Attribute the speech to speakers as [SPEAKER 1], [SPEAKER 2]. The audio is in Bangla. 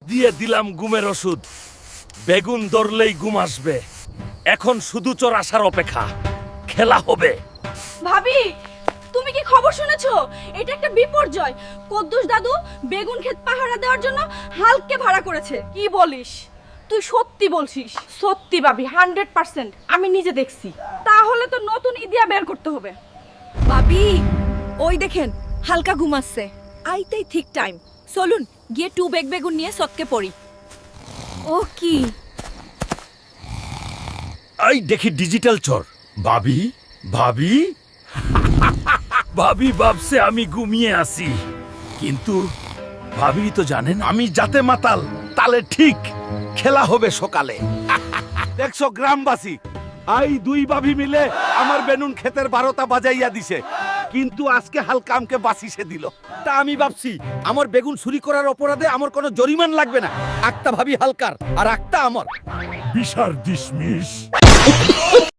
[SPEAKER 1] দিয়ে দিলাম ঘুমের ওষুধ। বেগুন ধরলেই ঘুম আসবে। এখন শুধু চোর আসার অপেক্ষা। খেলা হবে।
[SPEAKER 2] ভাবি, তুমি কি খবর শুনেছো? এটা একটা বিপর্যয়। কদ্দুস দাদু বেগুন ক্ষেত পাহারা দেওয়ার জন্য হালকে ভাড়া করেছে। কি বলিস? তুই সত্যি বলছিস? সত্যি ভাবি, 100%। আমি নিজে দেখছি। তাহলে তো নতুন ইদিয়া বের করতে হবে। ভাবি, ওই দেখেন হালকা ঘুমাচ্ছে। আইতেই ঠিক টাইম। চলুন গিয়ে টু বেগ বেগুন নিয়ে সৎকে পড়ি। ও কি?
[SPEAKER 1] এই দেখি ডিজিটাল চোর। ভাবি, ভাবি ভাবি ভাবছে আমি ঘুমিয়ে আছি, কিন্তু ভাবি তো জানেন আমি যাতে মাতাল তালে ঠিক। খেলা হবে সকালে। দেখছো গ্রামবাসী, আই দুই ভাবি মিলে আমার বেনুন ক্ষেতের 12টা বাজাইয়া দিছে, কিন্তু আজকে হালকা আমকে বাঁচিয়ে দিল।
[SPEAKER 3] তা আমি ভাবছি আমার বেগুন চুরি করার অপরাধে আমার কোনো জরিমান লাগবে না। একটা ভাবি হালকার আর একটা আমার।
[SPEAKER 1] বিশার ডিসমিস।